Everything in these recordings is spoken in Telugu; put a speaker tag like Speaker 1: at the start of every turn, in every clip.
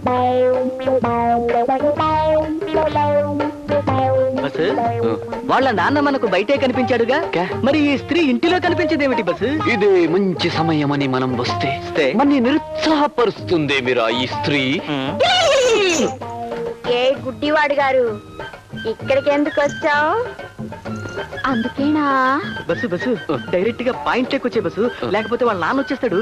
Speaker 1: బస్ వాళ్ళ నాన్న మనకు బయటే కనిపించాడుగా, మరి ఈ స్త్రీ ఇంటిలో కనిపించేదేమిటి బస్?
Speaker 2: ఇదే మంచి సమయం అని మనం వస్తే మన నిరుత్సాహపరుస్తుంది మీరా ఈ స్త్రీ.
Speaker 3: ఏ గుడ్డివాడు గారు, ఇక్కడికి ఎందుకు వచ్చావు? అందుకేనా?
Speaker 1: బస్సు బస్సు డైరెక్ట్ గా పాయింట్ వచ్చే బస్సు, లేకపోతే వాళ్ళ నాన్న వచ్చేస్తాడు.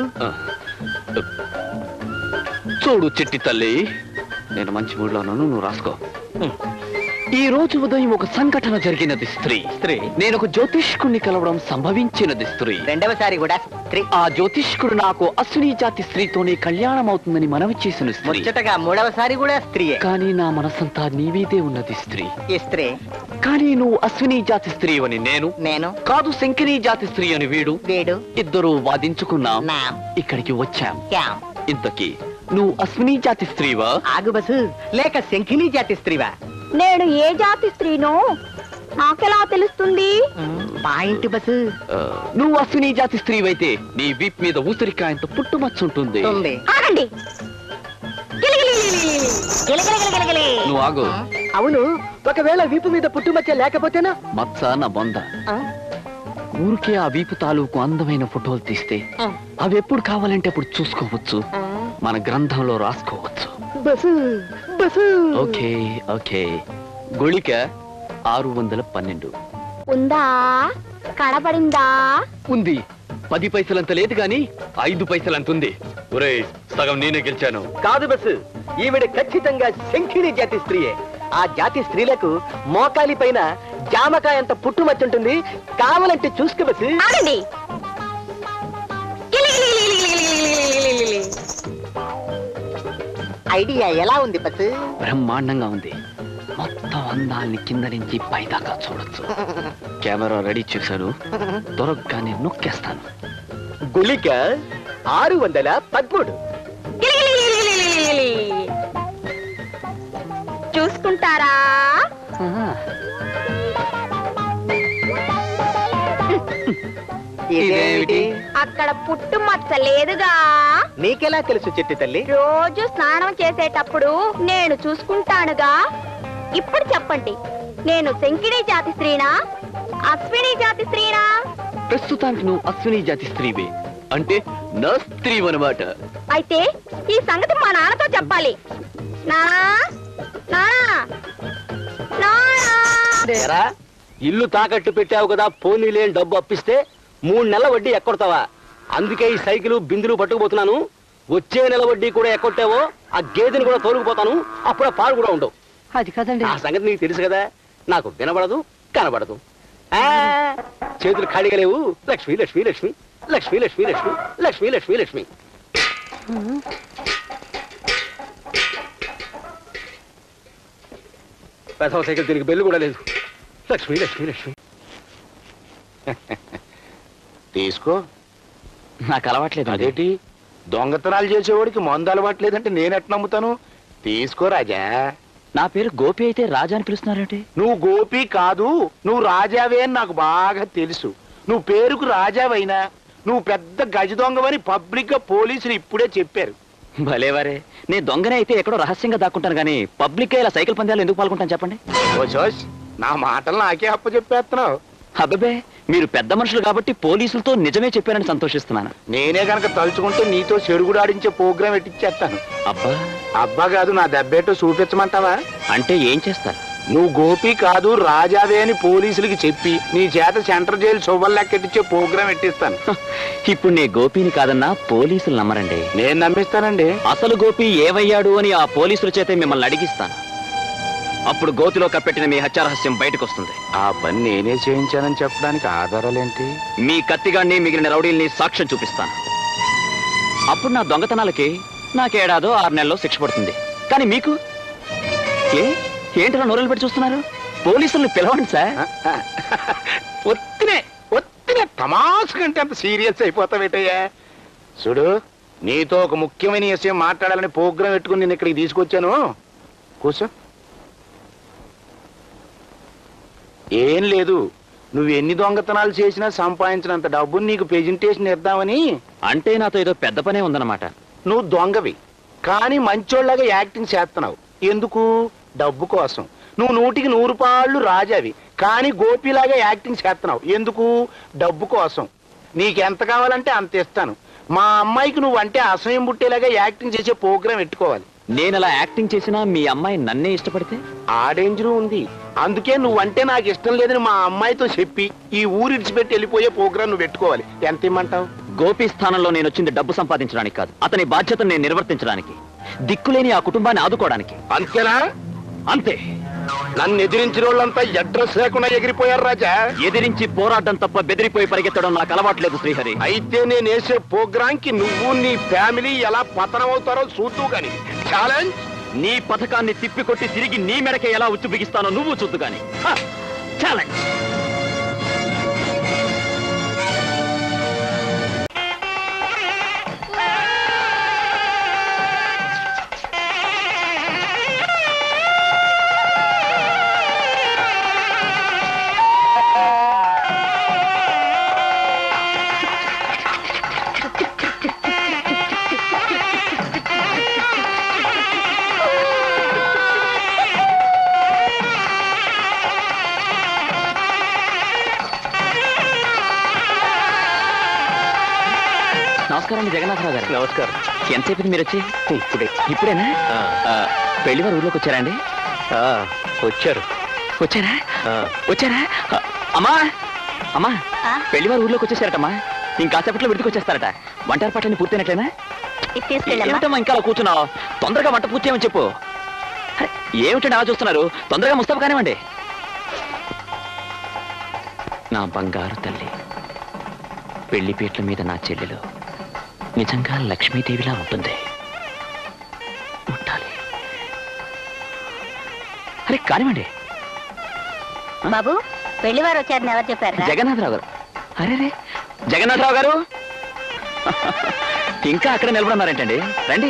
Speaker 2: చూడు చిట్టి తల్లి, నేను మంచి మూడ్లో ఉన్నాను, నువ్వు రాసుకో. ఈ రోజు ఉదయం ఒక సంఘటన జరిగినది స్త్రీ. నేను ఒక జ్యోతిష్కుడిని కలవడం సంభవించినది స్త్రీ.
Speaker 1: రెండవసారి కూడా స్త్రీ.
Speaker 2: ఆ జ్యోతిష్కుడు నాకు అశ్విని జాతి స్త్రీతోనే కళ్యాణం అవుతుందని మనవి చేసిన స్త్రీ.
Speaker 1: ముచ్చటగా మూడవసారి కూడా స్త్రీయే.
Speaker 2: కానీ నా మనసంతా నీవీదే ఉన్నది స్త్రీ.
Speaker 1: ఈ స్త్రీ.
Speaker 2: కానీ నువ్వు అశ్విని జాతి స్త్రీ అని నేను కాదు, శంకిని జాతి స్త్రీ అని వీడు ఇద్దరు వాదించుకున్నాం, ఇక్కడికి వచ్చాం. ఇంతకీ నువ్వు అశ్విని జాతి స్త్రీవా?
Speaker 1: ఆగు బస్సు, లేక శంఖిని జాతి స్త్రీవా?
Speaker 3: నేను ఏ జాతి స్త్రీనో నాకెలా తెలుస్తుంది?
Speaker 1: Point bus.
Speaker 2: నువ్వు అశ్విని జాతి స్త్రీవైతే నీ వీప్ మీద ఊసరికాయంత పుట్టుమచ్చుంటుంది.
Speaker 3: ఆగండి.
Speaker 2: నువ్వు ఆగు.
Speaker 1: అవును, ఒకవేళ వీపు మీద పుట్టుమచ్చ లేకపోతేనా?
Speaker 2: మచ్చ నా బొంద. ఊరికే ఆ వీపు తాలూకు అందమైన ఫోటోలు తీస్తే అవి ఎప్పుడు కావాలంటే అప్పుడు చూసుకోవచ్చు, మన గ్రంథంలో రాసుకోవచ్చు. Okay okay. గుళిక 612
Speaker 3: ఉందా? కనపడిందా?
Speaker 2: ఉంది. 10 పైసలంత లేదు గాని 5 పైసలంత ఉంది. ఒరేయ్, సగం నేనే గెలిచాను.
Speaker 1: కాదు బస్సు, ఈవిడ ఖచ్చితంగా శంఖిని జాతి స్త్రీయే. ఆ జాతి స్త్రీలకు మోకాలి పైన జామకాయంత పుట్టుమచ్చుంటుంది, కావాలంటే చూసుకో బస్సు.
Speaker 3: ఆగండి.
Speaker 1: ఐడియా ఎలా ఉంది బస్సు?
Speaker 2: బ్రహ్మాండంగా ఉంది. మొత్తం అందాల్ని కింద నుంచి పైదాకా చూడొచ్చు. కెమెరా రెడీ చేశాను, దొరకగానే నొక్కేస్తాను.
Speaker 1: గుళిక 613.
Speaker 3: చూసుకుంటారా?
Speaker 1: ఇదేమిటి?
Speaker 3: అక్కడ పుట్టు మచ్చ లేదుగా.
Speaker 1: నీకెలా తెలుసు చెట్టి తల్లి?
Speaker 3: రోజు స్నానం చేసేటప్పుడు నేను చూసుకుంటానుగా. ఇప్పుడు చెప్పండి, నేను శంకిని జాతి స్త్రీనా, అశ్విని జాతి స్త్రీనా?
Speaker 2: ప్రస్తుతానికి నువ్వు అశ్విని జాతి స్త్రీవే, అంటే నా స్త్రీ అన్నమాట.
Speaker 3: అయితే ఈ సంగతి మా నాన్నతో చెప్పాలి. నానా నానా నానా,
Speaker 1: ఇల్లు తాకట్టు పెట్టావు కదా, పోనీ లేని డబ్బు అప్పిస్తే 3 నెలల వడ్డీ ఎక్కొడతావా? అందుకే ఈ సైకిల్ బిందులు పట్టుకుపోతున్నాను. వచ్చే నెల వడ్డీ కూడా ఎక్కొట్టావో ఆ గేదెని కూడా తోలుకుపోతాను, అప్పుడు ఆ పాలు కూడా ఉండవు.
Speaker 4: అది కదండి,
Speaker 1: ఆ సంగతి నీకు తెలుసు కదా. నాకు వినబడదు, కనబడదు. చేతులు ఖాళీగా లేవు. లక్ష్మి లక్ష్మి లక్ష్మి లక్ష్మి లక్ష్మి లక్ష్మి లక్ష్మి లక్ష్మి లక్ష్మి. పెద్ద సైకిల్ దీనికి బెల్లు కూడా లేదు. లక్ష్మి లక్ష్మి లక్ష్మి.
Speaker 5: తీసుకో.
Speaker 2: నాకు అలవాట్లేదు.
Speaker 5: అదేంటి, దొంగతనాలు చేసేవాడికి మందు అలవాట్లేదంటే నేనెట్ నమ్ముతాను? తీసుకో రాజా.
Speaker 2: నా పేరు గోపి అయితే రాజా అని పిలుస్తున్నారంటే?
Speaker 5: నువ్వు గోపి కాదు, నువ్వు రాజావే అని నాకు బాగా తెలుసు. నువ్వు పేరుకు రాజావైనా నువ్వు పెద్ద గజ దొంగవని పబ్లిక్ గా పోలీసులు ఇప్పుడే చెప్పారు.
Speaker 2: భలేవారే, నేను దొంగనే అయితే ఎక్కడో రహస్యంగా దాక్కుంటాను గానీ పబ్లిక్ గా ఇలా సైకిల్ పందాలు ఎందుకు పాల్గొంటాను చెప్పండి?
Speaker 5: ఓ జోష్, నా మాటలు నాకే అప్ప చెప్పేస్తున్నావు.
Speaker 2: అబ్బే, మీరు పెద్ద మనుషులు కాబట్టి పోలీసులతో నిజమే చెప్పానని సంతోషిస్తున్నాను.
Speaker 5: నేనే గనక తలుచుకుంటే నీతో చెడుగుడు ఆడించే ప్రోగ్రాం ఎట్టిచ్చేస్తాను.
Speaker 2: అబ్బా
Speaker 5: అబ్బా కాదు, నా దెబ్బేటో చూపించమంటావా?
Speaker 2: అంటే ఏం చేస్తారు?
Speaker 5: నువ్వు గోపి కాదు రాజావే అని పోలీసులకి చెప్పి నీ చేత సెంట్రల్ జైలు శుభ్రలెక్కెట్టించే ప్రోగ్రాం ఎట్టిస్తాను.
Speaker 2: ఇప్పుడు నే గోపిని కాదన్నా పోలీసులు నమ్మరండి.
Speaker 5: నేను నమ్మిస్తానండి.
Speaker 2: అసలు గోపి ఏవయ్యాడు అని ఆ పోలీసుల చేతే మిమ్మల్ని అడిగిస్తాను. అప్పుడు గోతిలో కప్పెట్టిన మీ హత్యారహస్యం బయటకు వస్తుంది.
Speaker 5: ఆ పని నేనే చేయించానని చెప్పడానికి ఆధారాలేంటి?
Speaker 2: మీ కత్తిగాన్ని మిగిలిన రౌడీల్ని సాక్ష్యం చూపిస్తాను. అప్పుడు నా దొంగతనాలకి నాకు 6 నెలల్లో శిక్ష పడుతుంది. కానీ మీకు ఏంటిలా నోరలు పెట్టి చూస్తున్నారు? పోలీసుల్ని పిలవండి సార్.
Speaker 5: ఒత్తినే తమాష కంటే అంత సీరియస్ అయిపోతావేటయ్యా. చూడు, నీతో ఒక ముఖ్యమైన విషయం మాట్లాడాలని ప్రోగ్రాం పెట్టుకుని నేను ఇక్కడికి తీసుకొచ్చాను. కూర్చో. ఏం లేదు, నువ్వు ఎన్ని దొంగతనాలు చేసినా సంపాదించినంత డబ్బుని నీకు ప్రెజెంటేషన్ ఇద్దామని.
Speaker 2: అంటే నాతో ఏదో పెద్ద పనే ఉందన్నమాట.
Speaker 5: నువ్వు దొంగవి, కానీ మంచోళ్ళగా యాక్టింగ్ చేస్తున్నావు. ఎందుకు? డబ్బు కోసం. నువ్వు 100కి 100 పాళ్ళు రాజావి, కానీ గోపిలాగా యాక్టింగ్ చేస్తున్నావు. ఎందుకు? డబ్బు కోసం. నీకెంత కావాలంటే అంత ఇస్తాను. మా అమ్మాయికి నువ్వు అంటే అసహ్యం పుట్టేలాగా యాక్టింగ్ చేసే ప్రోగ్రాం పెట్టుకోవాలి.
Speaker 2: నేను అలా యాక్టింగ్ చేసినా మీ అమ్మాయి నన్నే ఇష్టపడితే?
Speaker 5: ఆ డేంజరు ఉంది. అందుకే నువ్వంటే నాకు ఇష్టం లేదని మా అమ్మాయితో చెప్పి ఈ ఊరు ఇడిచిపెట్టి వెళ్ళిపోయే ప్రోగ్రాం నువ్వు పెట్టుకోవాలి. ఎంత ఇమ్మంటావు?
Speaker 2: గోపి స్థానంలో నేను వచ్చింది డబ్బు సంపాదించడానికి కాదు, అతని బాధ్యతను నేను నిర్వర్తించడానికి, దిక్కులేని ఆ కుటుంబాన్ని ఆదుకోవడానికి.
Speaker 5: అంతేనా?
Speaker 2: అంతే.
Speaker 5: నన్ను ఎదిరించిన వాళ్ళంతా అడ్రస్ లేకుండా ఎగిరిపోయారు రాజా.
Speaker 2: ఎదిరించి పోరాటం తప్ప బెదిరిపోయి పరిగెత్తడం నాకు అలవాట్లేదు శ్రీహరి.
Speaker 5: అయితే నేను వేసే ప్రోగ్రాం కి నువ్వు నీ ఫ్యామిలీ ఎలా పతనం అవుతారో చూద్దు గాని. ఛాలెంజ్.
Speaker 2: నీ పథకాన్ని తిప్పికొట్టి తిరిగి నీ మెడకే ఎలా ఉచ్చు బిగిస్తానో నువ్వు చూద్దు గాని. ఛాలెంజ్. నమస్కారం జగన్నాథరావు గారు.
Speaker 1: నమస్కారం.
Speaker 2: ఎంతసేపు మీరు వచ్చి? ఇప్పుడేనా?
Speaker 1: ఆ.
Speaker 2: పెళ్లి వారు ఊర్లోకి వచ్చారా అండి?
Speaker 1: వచ్చారు.
Speaker 2: వచ్చారా? అమ్మా అమ్మా, పెళ్లి వారు ఊర్లోకి వచ్చేసారటమ్మా. ఇంకాసేపట్లో విడికి వచ్చేస్తారట. వంట ఏర్పాట్లన్నీ పూర్తయినట్లేనా? ఏమిటమ్మా ఇంకా అలా కూర్చున్నావు? తొందరగా వంట పూర్తి చేయమని చెప్పు. ఏమిటండి అలా చూస్తున్నారు? తొందరగా ముస్తాబు కానివ్వండి. నా బంగారు తల్లి, పెళ్లి పీటల మీద నా చెల్లెలు నిజంగా లక్ష్మీదేవిలా ఉంటుంది. ఉండాలి. అరే కానివ్వండి.
Speaker 3: బాబు, పెళ్లివారు వచ్చారని ఎవరు చెప్పారు?
Speaker 2: జగన్నాథరావు గారు. అరే జగన్నాథరావు గారు, ఇంకా అక్కడ నిలబడున్నారేంటండి? రండి.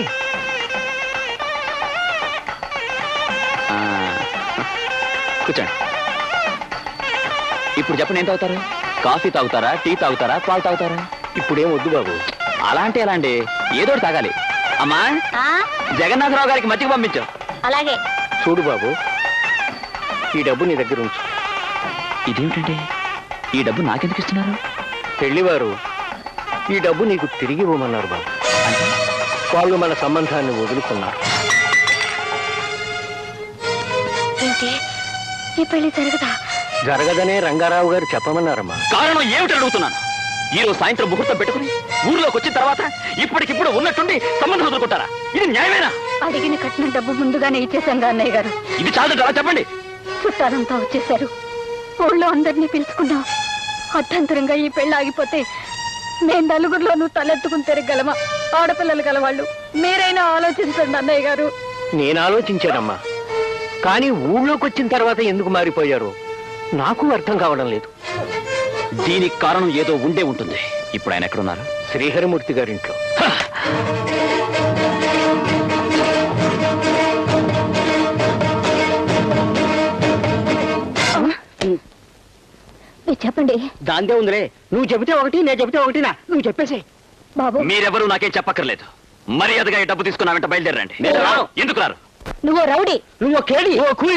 Speaker 2: కూర్చోండి. ఇప్పుడు చెప్పండి, ఏం తాగుతారు? కాఫీ తాగుతారా, టీ తాగుతారా, పాలు తాగుతారా?
Speaker 1: ఇప్పుడేం వద్దు బాబు.
Speaker 2: అలా అంటే ఎలా అండి? ఏదో తాగాలి. అమ్మా, జగన్నాథరావు గారికి మజ్జిగ పంపించు.
Speaker 3: అలాగే.
Speaker 1: చూడు బాబు, ఈ డబ్బు నీ దగ్గర ఉంచు.
Speaker 2: ఇదేమిటండి, ఈ డబ్బు నాకెందుకు ఇస్తున్నారు?
Speaker 1: పెళ్లివారు ఈ డబ్బు నీకు తిరిగి ఇవ్వమన్నారు బాబు. వాళ్ళు మన సంబంధాన్ని వదులుకున్నారు.
Speaker 3: ఏంటి, ఈ పెళ్లి జరగదా?
Speaker 1: జరగదనే రంగారావు గారు చెప్పమన్నారమ్మా.
Speaker 2: కారణం ఏమిటి అడుగుతున్నాను. ఈ రోజు సాయంత్రం ముహూర్తం పెట్టుకుని ఊర్లోకి వచ్చిన తర్వాత ఇప్పటికిప్పుడు ఉన్నట్టుండి సంబంధం వదులుకుంటారా? ఇది న్యాయమేనా?
Speaker 3: అడిగిన కట్టిన డబ్బు ముందుగానే ఇచ్చేసాం అన్నయ్య గారు.
Speaker 2: ఇది చాలు, అలా చెప్పండి.
Speaker 3: చుట్టాలంతా వచ్చేసారు. ఊళ్ళో అందరినీ పిలుచుకున్నాం. అర్థంతరంగా ఈ పెళ్లి ఆగిపోతే మేము నలుగురిలోనూ తలెత్తుకుని తిరగలమా? ఆడపిల్లలు గలవాళ్ళు. మీరైనా ఆలోచించండి అన్నయ్య గారు.
Speaker 1: నేను ఆలోచించానమ్మా, కానీ ఊళ్ళోకి వచ్చిన తర్వాత ఎందుకు మారిపోయారు నాకు అర్థం కావడం లేదు.
Speaker 2: దీనికి కారణం ఏదో ఉండే ఉంటుంది. ఇప్పుడు ఆయన ఎక్కడున్నారు?
Speaker 1: శ్రీహరిమూర్తి గారింట్లో.
Speaker 3: చెప్పండి.
Speaker 1: దాందే ఉందిలే. నువ్వు చెబితే ఒకటి, నేను చెబితే ఒకటినా? నువ్వు చెప్పేసి.
Speaker 3: బాబు,
Speaker 2: మీరెవరూ నాకేం చెప్పక్కర్లేదు. మర్యాదగా ఈ డబ్బు తీసుకున్నా వెంట బయలుదేరండి. ఎందుకు రారు?
Speaker 3: నువ్వు రౌడీ,
Speaker 1: నువ్వు కేడి,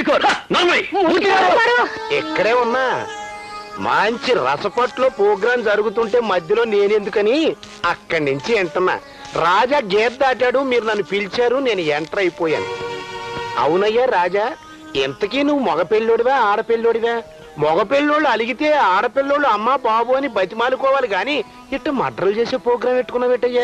Speaker 5: ఎక్కడే ఉన్నా మంచి రసపట్లో ప్రోగ్రాం జరుగుతుంటే మధ్యలో నేనెందుకని అక్కడి నుంచి ఎంటున్నా. రాజా గేట్ దాటాడు, మీరు నన్ను పిలిచారు, నేను ఎంటర్ అయిపోయాను. అవునయ్యా రాజా, ఎంతకీ నువ్వు మగపెళ్ళోడివా ఆడపిల్లోడివా? మగపిల్లోళ్ళు అలిగితే ఆడపిల్లోళ్ళు అమ్మా బాబు అని బతిమాలుకోవాలి గాని ఇట్ట మడ్రలు చేసే ప్రోగ్రాం పెట్టుకున్నావేటయ్యా?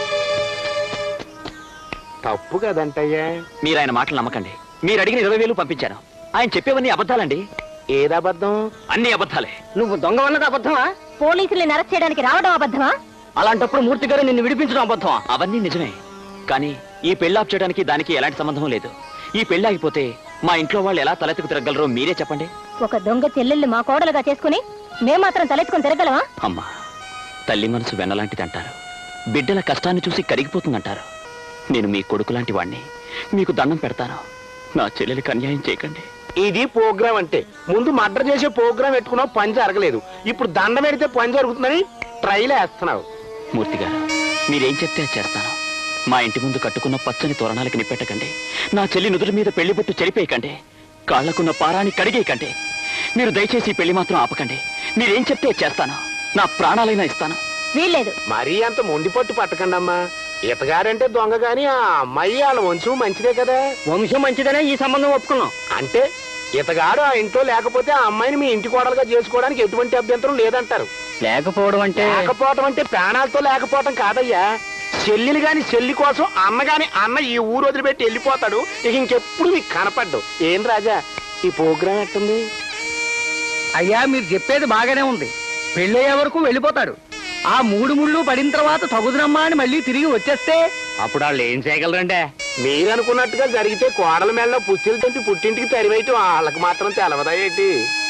Speaker 5: తప్పు కదంటయ్యా.
Speaker 2: మీరు ఆయన మాటలు నమ్మకండి. మీరు అడిగిన 20,000 పంపించాను. ఆయన చెప్పేవన్నీ అబద్ధాలండి.
Speaker 5: ఏదబద్ధం?
Speaker 2: అన్ని అబద్ధాలే.
Speaker 1: నువ్వు దొంగ వన్నది అబద్ధమా?
Speaker 3: పోలీసుల్ని అరెస్ట్ చేయడానికి రావడం అబద్ధమా?
Speaker 1: అలాంటప్పుడు మూర్తి గారు నిన్ను విడిపించడం అబద్ధమా?
Speaker 2: అవన్నీ నిజమే, కానీ ఈ పెళ్లి ఆప్ చేయడానికి దానికి ఎలాంటి సంబంధం లేదు. ఈ పెళ్లి ఆగిపోతే మా ఇంట్లో వాళ్ళు ఎలా తలెత్తుకు తిరగలరో మీరే చెప్పండి.
Speaker 3: ఒక దొంగ చెల్లెల్ని మా కోడలుగా చేసుకుని మేం మాత్రం తలెత్తుకుని తిరగలమా?
Speaker 2: అమ్మా, తల్లి మనసు వెన్నలాంటిది అంటారు. బిడ్డల కష్టాన్ని చూసి కరిగిపోతుందంటారు. నేను మీ కొడుకు లాంటి వాణ్ణి. మీకు దండం పెడతాను, నా చెల్లెలికి అన్యాయం చేయకండి.
Speaker 5: ఇది ప్రోగ్రాం అంటే. ముందు మర్డర్ చేసే ప్రోగ్రాం పెట్టుకున్నావు, పని జరగలేదు. ఇప్పుడు దండం పెడితే పని జరుగుతుందని ట్రైల్ వేస్తున్నావు.
Speaker 2: మూర్తి గారు, మీరేం చెప్తే అది చేస్తాను. మా ఇంటి ముందు కట్టుకున్న పచ్చని తోరణాలకి నిప్పెట్టకండి. నా చెల్లి నుదుటి మీద పెళ్లిబొట్టు చెరిపేయకండి. కాళ్లకున్న పారాన్ని కడిగేయకండి. మీరు దయచేసి ఈ పెళ్లి మాత్రం ఆపకండి. మీరేం చెప్తే చేస్తాను. నా ప్రాణాలైనా ఇస్తాను.
Speaker 3: వీల్లేదు.
Speaker 5: మరీ అంత మొండి పట్టు పట్టకండి అమ్మా. ఇతగారంటే దొంగ గాని ఆ అమ్మాయి వాళ్ళ వంశం మంచిదే కదా.
Speaker 1: వంశం మంచిదనే ఈ సంబంధం ఒప్పుకున్నాం.
Speaker 5: అంటే ఇతగాడు ఆ ఇంట్లో లేకపోతే ఆ అమ్మాయిని మీ ఇంటి కోడలుగా చేసుకోవడానికి ఎటువంటి అభ్యంతరం లేదంటారు.
Speaker 1: లేకపోవడం అంటే
Speaker 5: లేకపోవటం అంటే ప్రాణాలతో లేకపోవటం కాదయ్యా. చెల్లెలు గాని చెల్లి కోసం అన్న గాని అన్న ఈ ఊరు వదిలిపెట్టి వెళ్ళిపోతాడు. ఇక ఇంకెప్పుడు నీకు కనపడ్డు. ఏం రాజా ఈ ప్రోగ్రాం ఎట్టుంది?
Speaker 1: అయ్యా మీరు చెప్పేది బాగానే ఉంది. పెళ్ళయ్యే వరకు వెళ్ళిపోతాడు. ఆ 3 ముళ్ళు పడిన తర్వాత తగుదునమ్మా అని మళ్ళీ తిరిగి వచ్చేస్తే అప్పుడు వాళ్ళు ఏం చేయగలరంటే?
Speaker 5: మీరు అనుకున్నట్టుగా జరిగితే కోడల మేళ్ళలో పుచ్చిలు తెంపి పుట్టింటికి తరివేయటం వాళ్ళకి మాత్రం తెలవదా ఏంటి?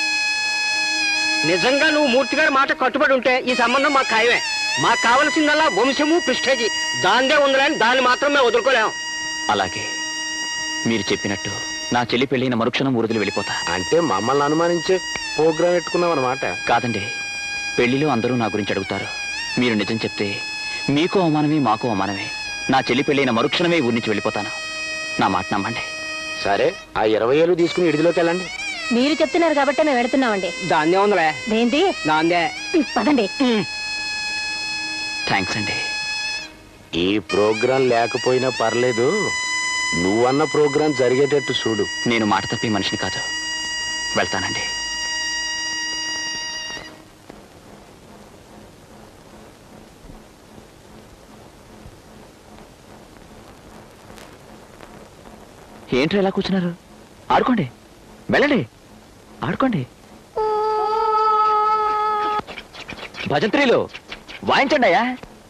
Speaker 1: నిజంగా నువ్వు మూర్తి గారి మాట కట్టుబడి ఉంటే ఈ సంబంధం మాకు ఖాయమే. మాకు కావలసిందల్లా వంశము ప్రిస్టేజీ. దాందే ఉందని దాన్ని మాత్రం మేము వదులుకోలేం.
Speaker 2: అలాగే మీరు చెప్పినట్టు నా చెల్లి పెళ్ళైన మరుక్షణం ఊరుదిలి వెళ్ళిపోతా.
Speaker 5: అంటే మమ్మల్ని అనుమానించే ప్రోగ్రాం పెట్టుకున్నాం అన్నమాట.
Speaker 2: కాదండి, పెళ్లిలో అందరూ నా గురించి అడుగుతారు. మీరు నిజం చెప్తే మీకు అవమానమే, మాకు అవమానమే. నా చెల్లి పెళ్ళైన మరుక్షణమే ఊరి నుంచి వెళ్ళిపోతాను. నా మాట నమ్మండి.
Speaker 5: సరే ఆ 20 ఏళ్ళు తీసుకుని ఇడిదిలోకి వెళ్ళండి.
Speaker 3: మీరు చెప్తున్నారు కాబట్టి మేము వెళుతున్నామండి.
Speaker 1: దాందే ఉందిలే.
Speaker 3: ఏంటి?
Speaker 1: దాందే.
Speaker 3: పదండి.
Speaker 2: థ్యాంక్స్ అండి.
Speaker 5: ఈ ప్రోగ్రాం లేకపోయినా పర్లేదు, నువ్వన్న ప్రోగ్రాం జరిగేటట్టు చూడు.
Speaker 2: నేను మాట తప్పి మనిషిని కాదు. వెళ్తానండి. ఏంట్రా ఎలా కూర్చున్నారు? ఆడుకోండి, వెళ్ళండి, ఆడుకోండి. భజంత్రీలు వాయించండి అయ్యా.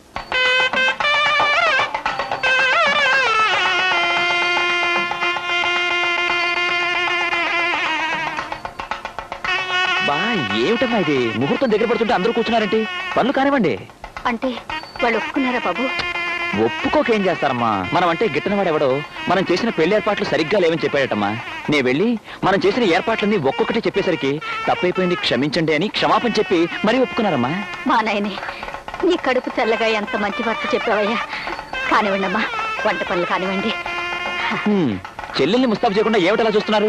Speaker 2: బా ఏమిటమ్మా ఇది? ముహూర్తం దగ్గర పడుతుంటే అందరూ కూర్చున్నారేంటి? పనులు కానివ్వండి.
Speaker 3: అంటే వాళ్ళు ఒప్పుకున్నారా బాబు?
Speaker 2: ఒప్పుకోకేం చేస్తారమ్మా? మనం అంటే గిట్టనవాడెవడో మనం చేసిన పెళ్లి ఏర్పాట్లు సరిగ్గా లేవని చెప్పాడటమ్మా. నే వెళ్ళి మనం చేసిన ఏర్పాట్లన్నీ ఒక్కొక్కటి చెప్పేసరికి తప్పైపోయింది, క్షమించండి అని క్షమాపణ చెప్పి మరీ ఒప్పుకున్నారమ్మా.
Speaker 3: మా నాయనే, నీ కడుపు చల్లగా ఎంత మంచి వార్త చెప్పావయ్యా. కానివ్వండి అమ్మా, వంట పనులు కానివ్వండి.
Speaker 2: చెల్లెల్ని ముస్తాబు చేయకుండా ఏమిటలా చూస్తున్నారు?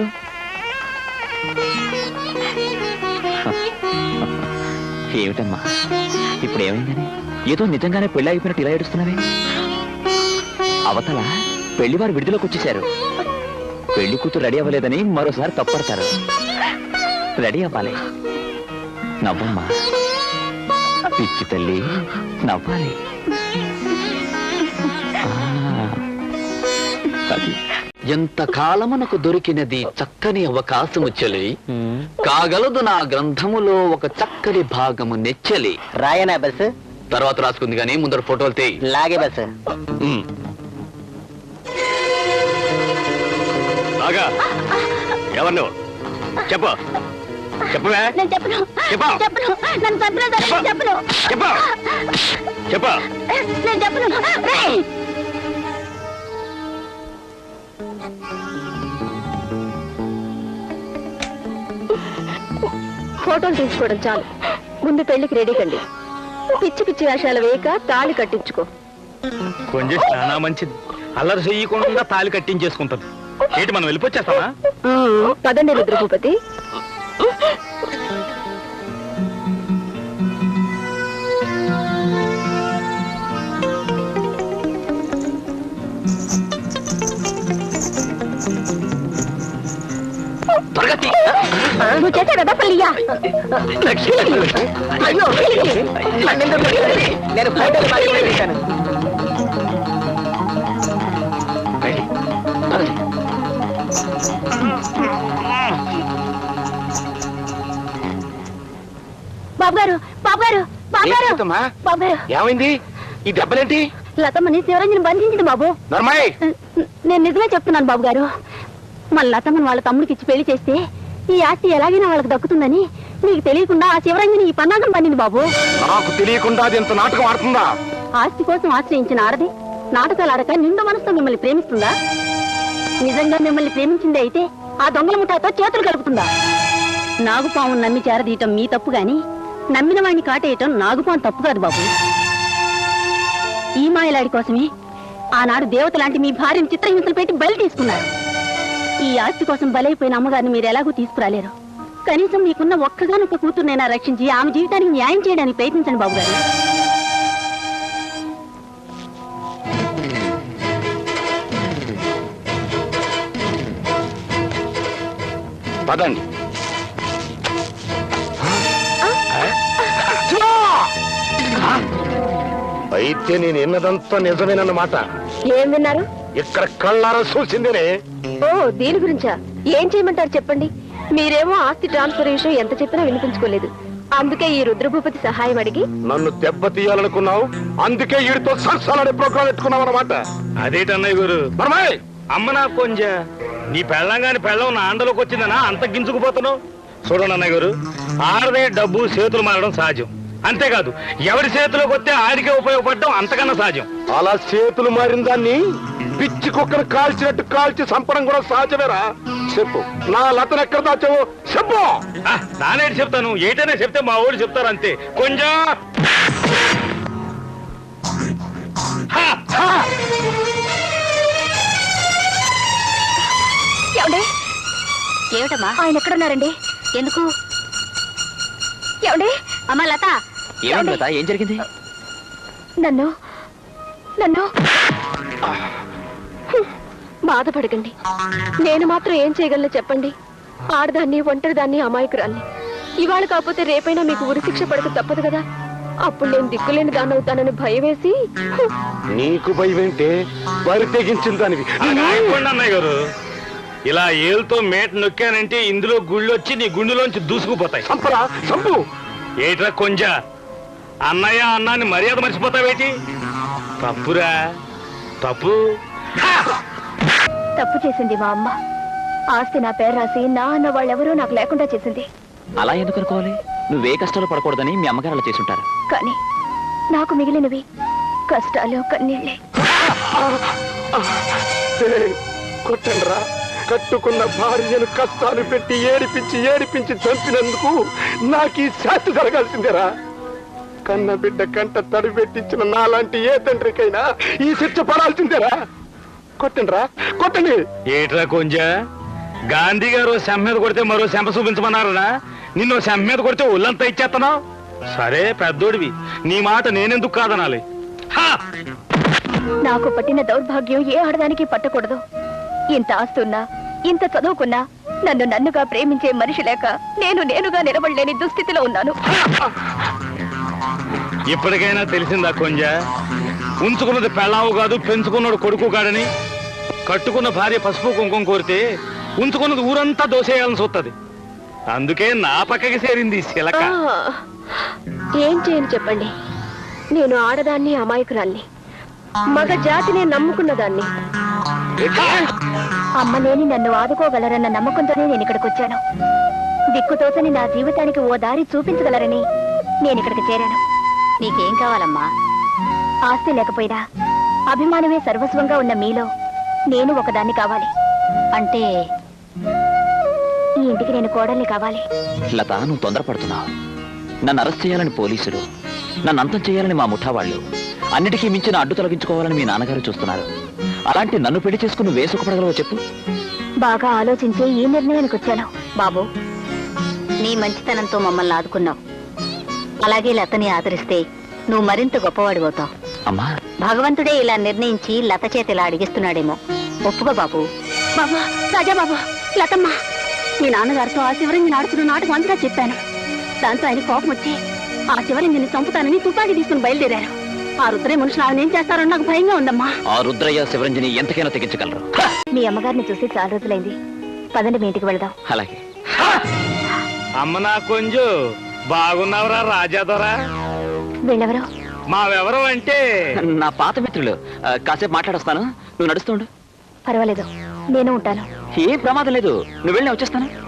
Speaker 2: ఏమిటమ్మా ఇప్పుడు ఏమైందని? ఏదో నిజంగానే పెళ్లి అయిపోయినట్టు ఇలా ఏడుస్తున్నావే? అవతల పెళ్లివారు విడుదలకు వచ్చేశారు. పెళ్లి కూతురు రెడీ అవ్వలేదని మరోసారి తప్పడతారు. రెడీ అవ్వాలి. నవ్వమ్మా పిచ్చి తల్లి, నవ్వాలి. ఎంత కాలమునకు దొరికినది చక్కని అవకాశము చెలి, కాగలదు నా గ్రంథములో ఒక చక్కని భాగము నెచ్చలి.
Speaker 1: రాయనా బస్?
Speaker 2: తర్వాత రాసుకుంది కానీ ముందర ఫోటోలు తీ.
Speaker 1: లాగే బస్.
Speaker 2: బాగా ఎవరు నువ్వు? చెప్పు, చెప్పవే.
Speaker 3: నేను చెప్పను.
Speaker 2: చెప్పు.
Speaker 3: చెప్పను. నన్ను చంపినా సరే చెప్పను.
Speaker 2: చెప్పు, చెప్పు.
Speaker 3: నేను చెప్పను. రేయ్! ఫోటోలు తీసుకోవడం చాలు, ముందు పెళ్లికి రెడీ కండి. పిచ్చి పిచ్చి వేషాలు వేయక తాళి కట్టించుకో.
Speaker 4: కొంచెం చాలా మంచిది. అల్లరి చెయ్యకుండా తాళి కట్టించేసుకుంటది. ఏంటి మనం వెళ్ళిపోచ్చేస్తామా?
Speaker 3: పదండి రుద్రభూపతి. నువ్వు చేసే కదా పల్లియా? అయ్యో
Speaker 1: నేను ఫోటోలు మాత్రమే తీశాను.
Speaker 3: బాబు గారు, బాబు గారు, బాబు గారు, బాబు గారు.
Speaker 5: ఏమైంది? ఈ దెబ్బలేంటి?
Speaker 3: లతమ్మని శివరంజన్ బంధించింది బాబు.
Speaker 5: నర్మాయ్,
Speaker 3: నేను నిజమే చెప్తున్నాను బాబు గారు. మన లతమ్మని వాళ్ళ తమ్ముడికి ఇచ్చి పెళ్లి చేస్తే ఈ ఆస్తి ఎలాగైనా వాళ్ళకి దక్కుతుందని మీకు తెలియకుండా ఆ శివరంజని ఈ పన్నాగం పండింది బాబు.
Speaker 5: నాకు తెలియకుండా అది ఎంత నాటకం ఆడుతుందా?
Speaker 3: ఆస్తి కోసం ఆశ్రయించిన ఆడది నాటకాలు ఆడక నిండు మనసుతో మిమ్మల్ని ప్రేమిస్తుందా? నిజంగా మిమ్మల్ని ప్రేమించింది అయితే ఆ దొంగల ముఠాతో చేతులు కలుపుతుందా? నాగుపాము నమ్మి చేరదీయటం మీ తప్పు గాని నమ్మిన వాడిని కాటేయటం నాగుపాము తప్పు కాదు బాబు. ఈ మాయలాడి కోసమే ఆనాడు దేవత లాంటి మీ భార్యను చిత్రహింసలు పెట్టి బలి తీసుకున్నారు. ఈ ఆస్తి కోసం బలైపోయిన అమ్మగారిని మీరు ఎలాగూ తీసుకురాలేరు. కనీసం మీకున్న ఒక్కగానొక్క కూతురునైనా రక్షించి ఆమె జీవితానికి న్యాయం చేయడానికి ప్రయత్నించండి బాబు గారు.
Speaker 5: పదండి. అయితే నేను ఎన్నదంతా నిజమేనన్నమాట.
Speaker 3: ఏం విన్నారు?
Speaker 5: ఇక్కడ కళ్ళారా చూసిందేనే.
Speaker 3: ఓ దీని గురించా? ఏం చేయమంటారు చెప్పండి. మీరేమో ఆస్తి ట్రాన్స్ఫర్ విషయం ఎంత చెప్పినా వినిపించుకోలేదు. అందుకే ఈ రుద్రభూపతి సహాయం అడిగి
Speaker 5: నన్ను దెబ్బతీయాలనుకున్నావు. అందుకే వీడితో సరసాలనే ప్రోగ్రాం పెట్టుకున్నావు అన్నమాట.
Speaker 4: అదేటన్నయ్య గారు, అమ్మ నా కొంజ నీ పెళ్ళంగాని పెళ్ళం నా అండలోకి వచ్చిందనా అంత గింజుకుపోతున్నావు? చూడండి అన్నయ్య గారు, ఆడదే డబ్బు చేతులు మారడం సహజం. అంతేకాదు ఎవరి చేతిలోకి వస్తే ఆడికే ఉపయోగపడడం అంతకన్నా సహజం.
Speaker 5: అలా చేతులు మారిన దాన్ని పిచ్చి కుక్కను కాల్చినట్టు కాల్చి చంపడం కూడా సహజమేరా. చెప్పు, నా లతను ఎక్కడ దాచావు చెప్పు.
Speaker 4: నానేటి చెప్తాను, ఏటైనా చెప్తే మా ఊళ్ళు చెప్తారు అంతే. కొంచెం
Speaker 3: ఏమిటమ్మా ఆయన ఎక్కడున్నారండి? ఎందుకు? ఏమండి? అమ్మా లత.
Speaker 2: ఏమండి లత, ఏం జరిగింది?
Speaker 3: నన్ను నన్ను బాధపడకండి. నేను మాత్రం ఏం చేయగలను చెప్పండి. ఆడదాన్ని, ఒంటరిదాన్ని, అమాయకురాల్ని. ఇవాళ కాకపోతే రేపైనా మీకు ఉరిశిక్ష పడక తప్పదు కదా. అప్పుడు నేను దిక్కులేని దాన్ని అవుతానని భయం వేసి.
Speaker 5: నీకు భయం ఏంటే? బరి తెగించిన దానివి.
Speaker 4: అన్నయ్య గారు, ఇలా ఏలుతో మేట నొక్కానంటే ఇందులో గుళ్ళొచ్చి నీ గుండెలోంచి దూసుకుపోతాయి.
Speaker 5: చంపరా చంపు.
Speaker 4: ఏట్రా కొంజ, అన్నయ్య అన్నాన్ని మర్యాద మర్చిపోతావేటి? తప్పురా, తప్పు.
Speaker 3: తప్పు చేసింది మా అమ్మ. ఆస్తి నా పేరు రాసి నా అన్న వాళ్ళెవరూ నాకు లేకుండా చేసింది.
Speaker 2: అలా ఎందుకు అనుకోవాలి? నువ్వే కష్టాలు పడకూడదని మీ అమ్మగారు అలా చేసుంటారు.
Speaker 3: కానీ నాకు మిగిలినవి కష్టాలు, కన్నీళ్ళే.
Speaker 5: కొట్టండ్రా. కట్టుకున్న భార్యను కష్టాలు పెట్టి ఏడిపించి ఏడిపించి చంపినందుకు నాకు ఈ శాస్తి జరగాల్సిందేరా. కన్న బిడ్డ కంట తడి పెట్టించిన నాలాంటి ఏ తండ్రికైనా ఈ శిక్ష పడాల్సిందేరా. కొట్టండ్రా, కొట్టండి.
Speaker 4: ఏట్రా కొంజ, గాంధీ గారు శంఖ మీద కొడితే మరో శంప చూపించమన్నారా? నిన్ను శంఖ మీద కొడితే ఒళ్ళంతా ఇచ్చేస్తున్నావు. సరే పెద్దోడివి, నీ మాట నేనెందుకు కాదనాలి?
Speaker 3: నాకు పట్టిన దౌర్భాగ్యం ఏ ఆడదానికి పట్టకూడదు. ఇంత ఆస్తున్నా, ఇంత చదువుకున్నా నన్ను నన్నుగా ప్రేమించే మనిషి లేక నేనుగా నిలబడలేని దుస్థితిలో ఉన్నాను.
Speaker 4: ఇప్పటికైనా తెలిసిందా కొంజ, ఉంచుకున్నది పెళ్ళావు కాదు, పెంచుకున్నాడు కొడుకు కాడని? కట్టుకున్న భార్య పసుపు కుంకుమ కోరితే ఉంచుకున్నది ఊరంతా దోసేయాలని చూస్తుంది. అందుకే నా పక్కకి చేరింది శిలక.
Speaker 3: ఏం చేయను చెప్పండి. నేను ఆడదాన్ని, అమాయకురాల్ని, మగ జాతినే నమ్ముకున్నదాన్ని. అమ్మ లేని నన్ను ఆదుకోగలరన్న నమ్మకంతోనే నేను ఇక్కడికి వచ్చాను. దిక్కుతోసని నా జీవితానికి ఓ దారి చూపించగలరని నేను ఇక్కడికి చేరాను. నీకేం కావాలమ్మా? ఆస్తి లేకపోయినా అభిమానమే సర్వస్వంగా ఉన్న మీలో నేను ఒకదాన్ని కావాలి. అంటే ఈ ఇంటికి నేను కోడల్ని కావాలి.
Speaker 2: లత, నువ్వు తొందరపడుతున్నావు. నన్ను అరెస్ట్ చేయాలని పోలీసులు, నన్ను అంతం చేయాలని మా ముఠా వాళ్ళు, అన్నిటికీ మించిన అడ్డు తొలగించుకోవాలని మీ నాన్నగారు చూస్తున్నారు. అలాంటి నన్ను పెళ్లి చేసుకుని వేసుకుపడగలవో చెప్పు.
Speaker 3: బాగా ఆలోచించే ఈ నిర్ణయానికి వచ్చాను. బాబు, నీ మంచితనంతో మమ్మల్ని ఆదుకున్నావు. అలాగే లతని ఆదరిస్తే నువ్వు మరింత గొప్పవాడిపోతావు.
Speaker 2: అమ్మా,
Speaker 3: భగవంతుడే ఇలా నిర్ణయించి లత చేతి ఇలా అడిగిస్తున్నాడేమో. ఒప్పుగా బాబు. బాబా, రాజా బాబా, లతమ్మ, మీ నాన్నగారితో ఆ శివరంగిని ఆడుతున్న నాటకం అంతా చెప్పాను. దాంతో ఆయన కోపం వచ్చి ఆ శివరంగిని చంపుతానని తుపాకీ తీసుకుని బయలుదేరారు. ఆ రుద్రయ్య మనుషులు ఆమె ఏం చేస్తారో నాకు భయంగా ఉందమ్మా.
Speaker 2: ఆ రుద్రయ్య శివరంజని ఎంతకైనా తెగించగలరు.
Speaker 3: మీ అమ్మగారిని చూసి చాలా రోజులైంది. పదండి, మీ ఇంటికి వెళదాం.
Speaker 2: అలాగే.
Speaker 4: అమ్మ నా కొంజు, బాగున్నావురా రాజాదొరా?
Speaker 3: వీళ్ళెవరు?
Speaker 4: మావెవరు అంటే
Speaker 2: నా పాత మిత్రులు. కాసేపు మాట్లాడొస్తాను, నువ్వు నడుస్తుండు.
Speaker 3: పర్వాలేదు, నేను ఉంటాను.
Speaker 2: ఏం ప్రమాదం లేదు, నువ్వు వెళ్ళి వచ్చేస్తాను.